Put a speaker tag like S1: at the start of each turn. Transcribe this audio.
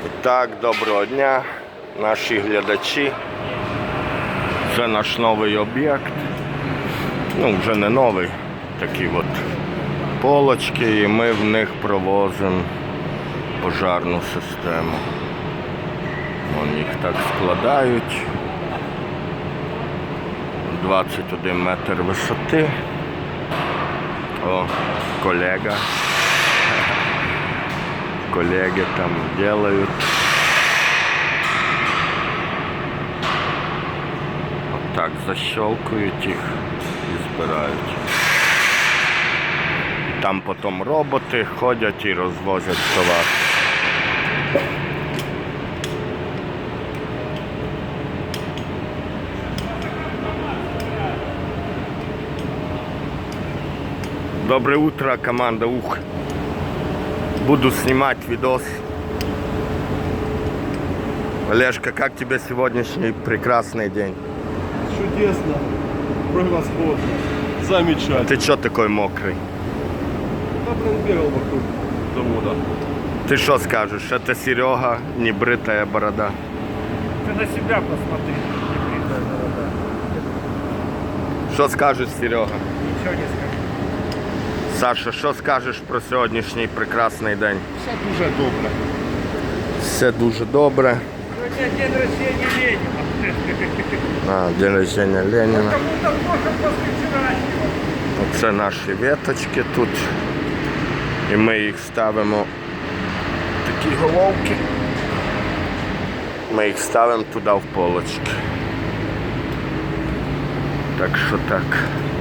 S1: Так, доброго дня, наші глядачі. Це наш новий об'єкт. Ну, вже не новий, такі от полочки, і ми в них провозимо пожарну систему. Вон їх так складають. 21 метр висоти. О, колега. Колеги там делают. Вот так защелкують їх і збирають. І там потім роботи ходять і розвозять товар. Доброе утро, команда УХ. Буду снимать видос. Олежка, как тебе сегодняшний прекрасный день?
S2: Чудесно, превосходно, замечательно.
S1: Ты чё такой мокрый?
S2: Я, блин, бегал вокруг завода.
S1: Ты что скажешь? Это Серега, небритая борода.
S3: Ты на себя посмотри, небритая борода.
S1: Что скажешь, Серега?
S3: Ничего не скажу.
S1: Саша, що скажеш про сьогоднішній прекрасний день?
S2: Все дуже добре.
S1: Все дуже добре.
S3: Сегодня день рождения Ленина.
S1: День рождения Леніна.
S3: Кому-то плохо после вчерашнего.
S1: Оце наші веточки тут. І ми їх ставимо, такі головки. Ми їх ставимо туди в полочки. Так що так.